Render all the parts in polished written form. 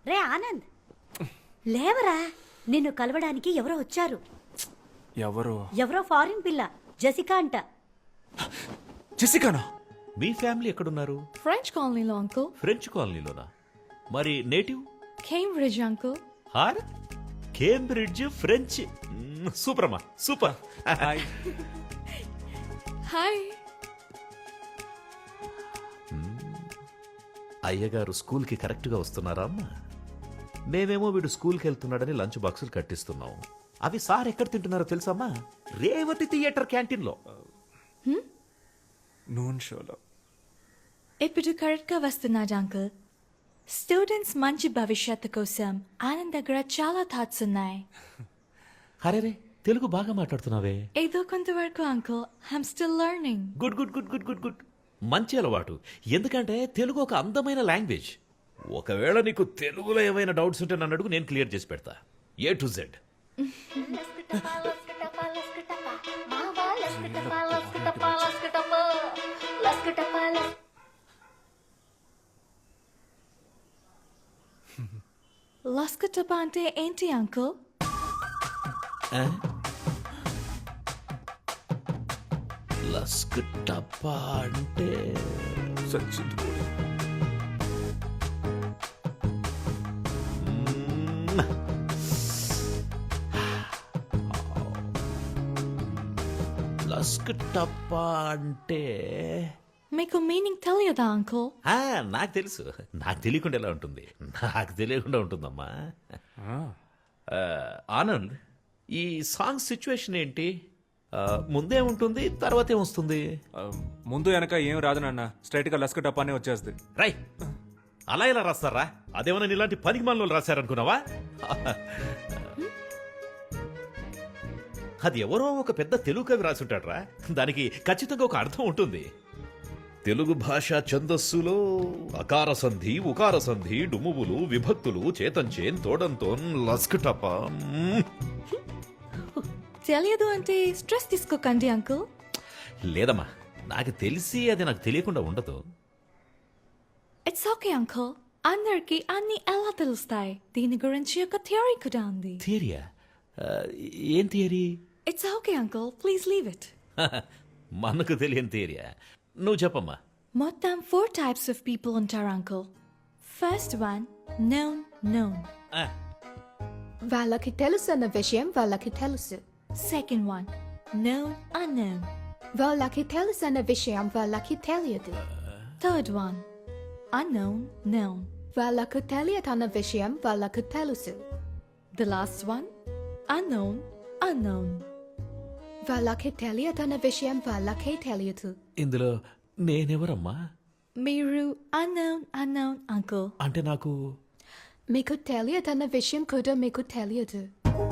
రే ఆనంద్, లేవరా, నిన్ను కలవడానికి ఎవరో వచ్చారు. ఎవరో ఫారిన్ పిల్ల, జెసికా అంట. జెసికానా? మీ ఫ్యామిలీ ఎక్కడున్నారు? ఫ్రెంచ్ కాలనీలో అంకుల్. ఫ్రెంచ్ కాలనీలోనా? మరి నేటివ్? Cambridge uncle. హార్ కేంబ్రిడ్జ్ ఫ్రెంచ్. సూపర్ అమ్మా, సూపర్. హాయ్. హాయ్. అయ్యగారు స్కూల్కి కరెక్ట్గా వస్తున్నారా అమ్మా? మేమేమో వీడు స్కూల్కి వెళ్తున్నాడని లంచ్ బాక్సులు కట్టిస్తున్నాం. అవి సార్ ఎక్కడ తింటున్నారో తెలుసమ్మా? రేవతి థియేటర్ క్యాంటీన్లో. నూన్ షోలో. ఇప్పుడు కరెక్ట్గా వస్తున్నాడు అంకుల్. స్టూడెంట్స్ మంచి భవిష్యత్తు కోసం ఆనంద్ దగ్గర చాలా థాట్స్ ఉన్నాయి. అరే రే, తెలుగు బాగా మాట్లాడుతున్నావే. ఏదో కొంతవరకు uncle. I'm still learning. Good good good good good good. మంచి అలవాటు. ఎందుకంటే తెలుగు ఒక అందమైన లాంగ్వేజ్. ఒకవేళ నీకు తెలుగులో ఏమైనా డౌట్స్ ఉంటే నన్ను అడుగు, నేను క్లియర్ చేసి పెడతా. A to Z. లస్కటప అంటే ఏంటి అంకుల్? లస్క్ టప్పా అంటే సచిన్ కూడా. లస్క్ టప్పా అంటే మీకు మీనింగ్ తెలియదా అంకుల్? నాకు తెలుసు. నాకు తెలియకుండా ఎలా ఉంటుంది? నాకు తెలియకుండా ఉంటుందమ్మా. ఆనంద్, ఈ సాంగ్ సిచ్యువేషన్ ఏంటి? ముందే ఉంటుంది, తర్వాత ఏమొస్తుంది? ముందు వెనక ఏం రాదు నాన్న, స్ట్రైట్ గా లస్క టపానే వచ్చేస్తుంది. రై, అలా ఎలా రాస్తారా? అదేమన్నా ఇలాంటి పనికి మనలో రాశారనుకున్నావా? అది ఎవరో ఒక పెద్ద తెలుగు కవి రాసుంటాడ్రా. దానికి ఖచ్చితంగా ఒక అర్థం ఉంటుంది. తెలుగు భాష ఛందస్సులో అకార సంధి, ఉకార సంధి, డుమువులు, విభక్తులు, చేతంచేన్, తోడంతోన్, లస్కటప. తెలియదు అంటే స్ట్రెస్ తీసుకోకండి అంకుల్. లేదమ్మా, నాకు తెలిసి అది నాకు తెలియకుండా ఉండదు. It's okay uncle. అందరికి అన్ని ఎలా తెలుస్తాయి? దీని గురించి ఒక థియరీ కూడా ఉంది. థియరియా? ఏం theory? It's okay uncle, please leave it. మనకు తెలియని థియరియా? నువ్వు చెప్పమ్మా. మొత్తం 4 types of people ఉంటారు అంకుల్. First one, known. వాళ్ళకి తెలుసు అన్న విషయం వాళ్ళకి తెలుసు. Second one, unknown. వాళ్ళకి తెలుసు అన్న విషయం వాళ్ళకి తెలియదు. Third one, known. వాళ్ళకు తెలియదు అన్న విషయం వాళ్ళకు తెలుసు. The last one, unknown. వాళ్ళకి తెలియదు అన్న విషయం వాళ్ళకే తెలియదు. ఇందులో నేనెవరమ్మా? మీరు unknown అంకుల్. అంటే నాకు మీకు తెలియదు అన్న విషయం కూడా మీకు తెలియదు.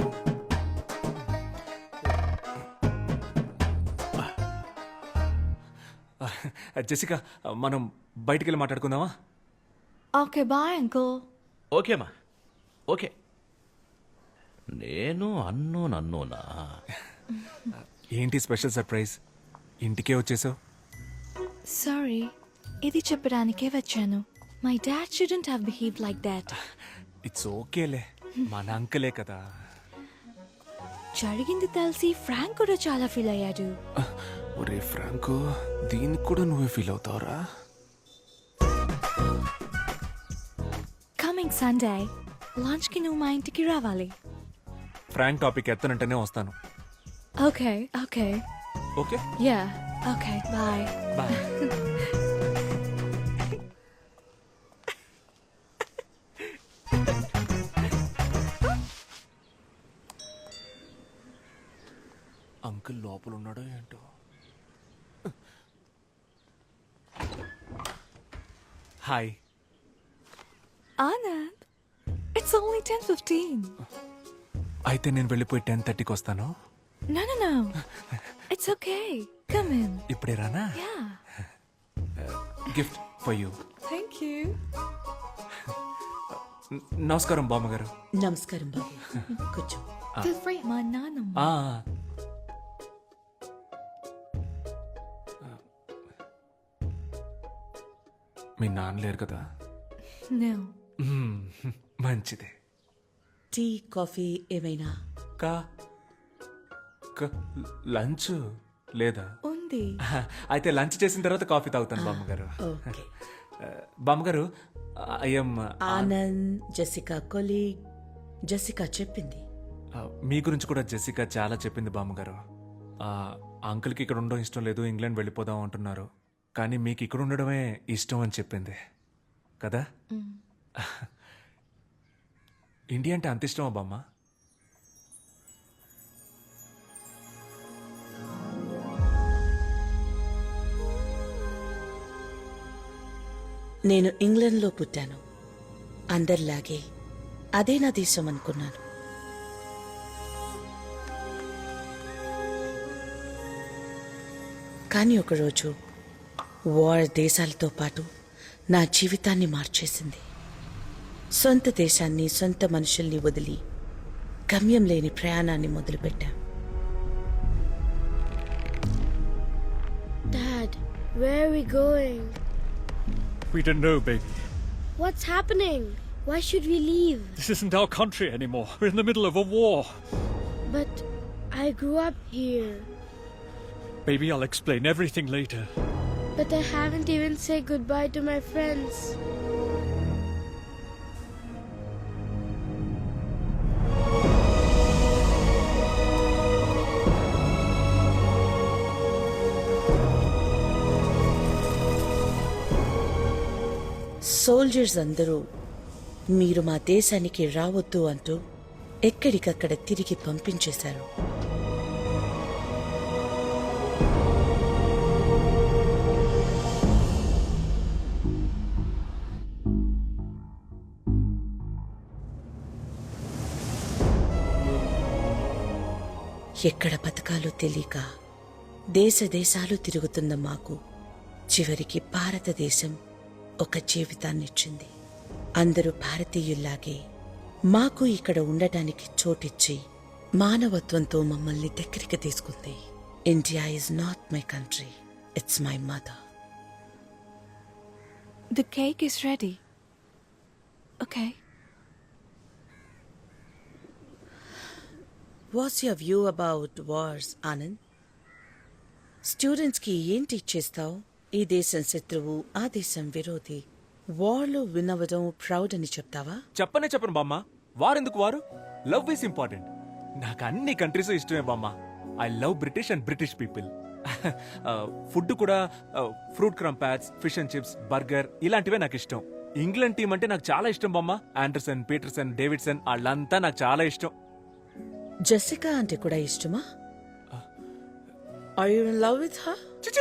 జెసికా, మనం బయటికి వెళ్ళి మాట్లాడుకుందామా? Okay bye uncle. ఓకేమ్మా, ఓకే. నేను అన్నోనా? ఏంటి స్పెషల్ సర్ప్రైజ్? ఇంటికే వచ్చేసావు? సారీ, ఇది చెప్పడానికే వచ్చాను. My dad shouldn't have behaved like that. It's ఓకేలే, మన అంకలే కదా. జరిగింది తెలిసి ఫ్రాంక్ కూడా చాలా ఫీల్ అయ్యాడు. ఒరే ఫ్రాంకు, దీనికి కూడా నువ్వే ఫీల్ అవుతావురా? కమింగ్ సండే లంచ్ కి నువ్వు మా ఇంటికి రావాలి. ఫ్రాంక్ టాపిక్ ఎత్తనంటేనే వస్తాను. Okay okay okay, yeah okay bye bye. Uncle లోపల ఉన్నాడో ఏంటో. హాయ్. Anand, it's only 10:15. అయితే నేను వెళ్ళిపోయి 10:30కి వస్తాను. No. It's okay. Come in. ఇప్పుడే రానా? Yeah. Gift for you. Thank you. నమస్కారం బామ్మగారు. నమస్కారం బాబు, కూర్చో. Feel free. మా నాన్నమ్మ. మీ నాన్న లేరు కదా? No. మంచిది. టీ కాఫీ ఏమైనా? కా లంచ్ లేదా? ఉంది. అయితే లంచ్ చేసిన తర్వాత కాఫీ తాగుతాను బామ్మగారు. ఓకే. బామ్మగారు I'm Anand Jessica colleague. Jessica చెప్పింది. మీ గురించి కూడా జెసికా చాలా చెప్పింది బామ్మగారు. అంకుల్కి ఇక్కడ ఉండడం ఇష్టం లేదు, ఇంగ్లాండ్ వెళ్ళిపోదాం అంటున్నారు, కానీ మీకు ఇక్కడ ఉండడమే ఇష్టం అని చెప్పింది కదా. ఇండియా అంటే అంత ఇష్టమా బామ్మ? నేను ఇంగ్లండ్లో పుట్టాను. అందరిలాగే అదే నా దేశం అనుకున్నాను. కానీ ఒకరోజు వార్ దేశాలతో పాటు నా జీవితాన్ని మార్చేసింది. సొంత దేశాన్ని, సొంత మనుషుల్ని వదిలి గమ్యం లేని ప్రయాణాన్ని మొదలుపెట్టా. Dad, where are we going? We don't know, baby. What's happening? Why should we leave? This isn't our country anymore. We're in the middle of a war. But I grew up here. Baby, I'll explain everything later. But I haven't even said goodbye to my friends. Soldiers అందరూ మీరు మా దేశానికి రావద్దు అంటూ ఎక్కడికక్కడ తిరిగి పంపించేశారు. ఎక్కడ బతకాలో తెలియక దేశ దేశాలు తిరుగుతున్న మాకు చివరికి భారతదేశం ఒక జీవితాన్నిచ్చింది. అందరూ భారతీయుల్లాగే మాకు ఇక్కడ ఉండటానికి చోటిచ్చి మానవత్వంతో మమ్మల్ని దగ్గరికి తీసుకుంది. India is not my country, it's my mother. The cake is ready. Okay. What's your view about wars, Anand? స్టూడెంట్స్కి ఏం టీచ్ చేస్తావు? ఈ దేశం శత్రువు, ఆ దేశం విరోధి, వార్లో వినవడం ప్రౌడ్ అని చెప్తావా? చెప్పను బామ్మ. వారెందుకు వారు? Love is important. నాకు అన్ని కంట్రీస్ ఇష్టమే బామ్మ. I love British and British people. Food కూడా fruit crumpets, fish and chips, burger ఇలాంటివే నాకు ఇష్టం. ఇంగ్లాండ్ టీం అంటే నాకు చాలా ఇష్టం బామ్మ. ఆండర్సన్, పీటర్సన్, డేవిడ్సన్ వాళ్ళంతా నాకు చాలా ఇష్టం. జెసికా అంటే కూడా ఇష్టమా? Are you in love with her? చిచి,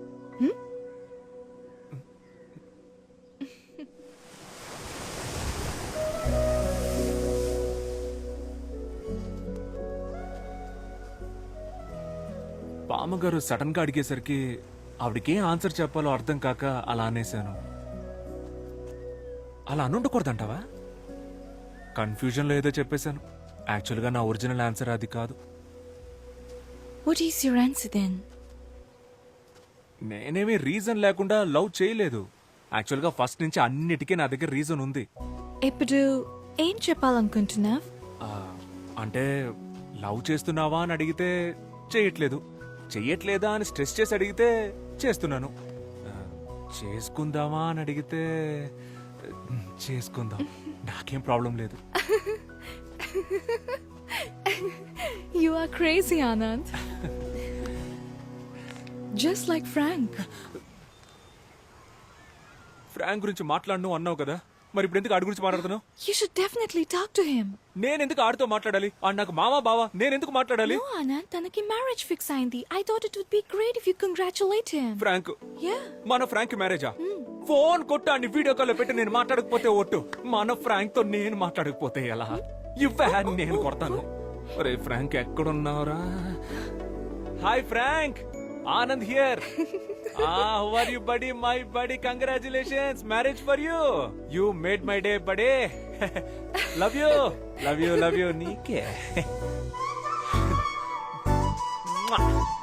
బామ్మగారు సడన్ గా అడిగేసరికి ఆవిడకేం ఆన్సర్ చెప్పాలో అర్థం కాక అలా అనేశాను. అలా అనుండకూడదంటావా? కన్ఫ్యూజన్లో ఏదో చెప్పేశాను. యాక్చువల్గా నా ఒరిజినల్ ఆన్సర్ అది కాదు. What is your answer then? నేనేమీ రీజన్ లేకుండా లవ్ చేయలేదు. యాక్చువల్గా ఫస్ట్ నుంచి అన్నిటికీ నా దగ్గర రీజన్ ఉంది. ఇప్పుడు ఏం చెప్పాలనుకుంటున్నావ్? అంటే లవ్ చేస్తున్నావా అని అడిగితే చేయట్లేదు, చెయ్యట్లేదా అని స్ట్రెస్ చేసి అడిగితే చేస్తున్నాను, చేసుకుందామా అని అడిగితే చేసుకుందాం, నాకేం ప్రాబ్లం లేదు. You are crazy, Anand. Just like Frank. Frank గురించి మాట్లాడను అన్నావు కదా, మరి ఇప్పుడు ఎందుకు ఆడి గురించి మాట్లాడుతున్నావు? You should definitely talk to him. నేను ఎందుకు ఆడితో మాట్లాడాలి? ఆడు నాకు మామా బావా, నేను ఎందుకు మాట్లాడాలి? No, Anand, తనకి marriage fix అయింది. I thought it would be great if you congratulate him. Frank? Yeah. మన ఫ్రాంక్ మ్యారేజా? ఫోన్ కొట్టు అని వీడియో కాల్ పెట్టి నేను మాట్లాడకపోతే ఒట్టు. మన ఫ్రాంక్ తో నేను మాట్లాడకపోతే ఎలా? ఇవ్వే నేను కొడతాను. అరే ఫ్రాంక్ ఎక్కడున్నావురా? Hi Frank, Anand here. How are you, buddy? My buddy, congratulations, marriage for you. You made my day, buddy. Love you, love you, love you. నీకే.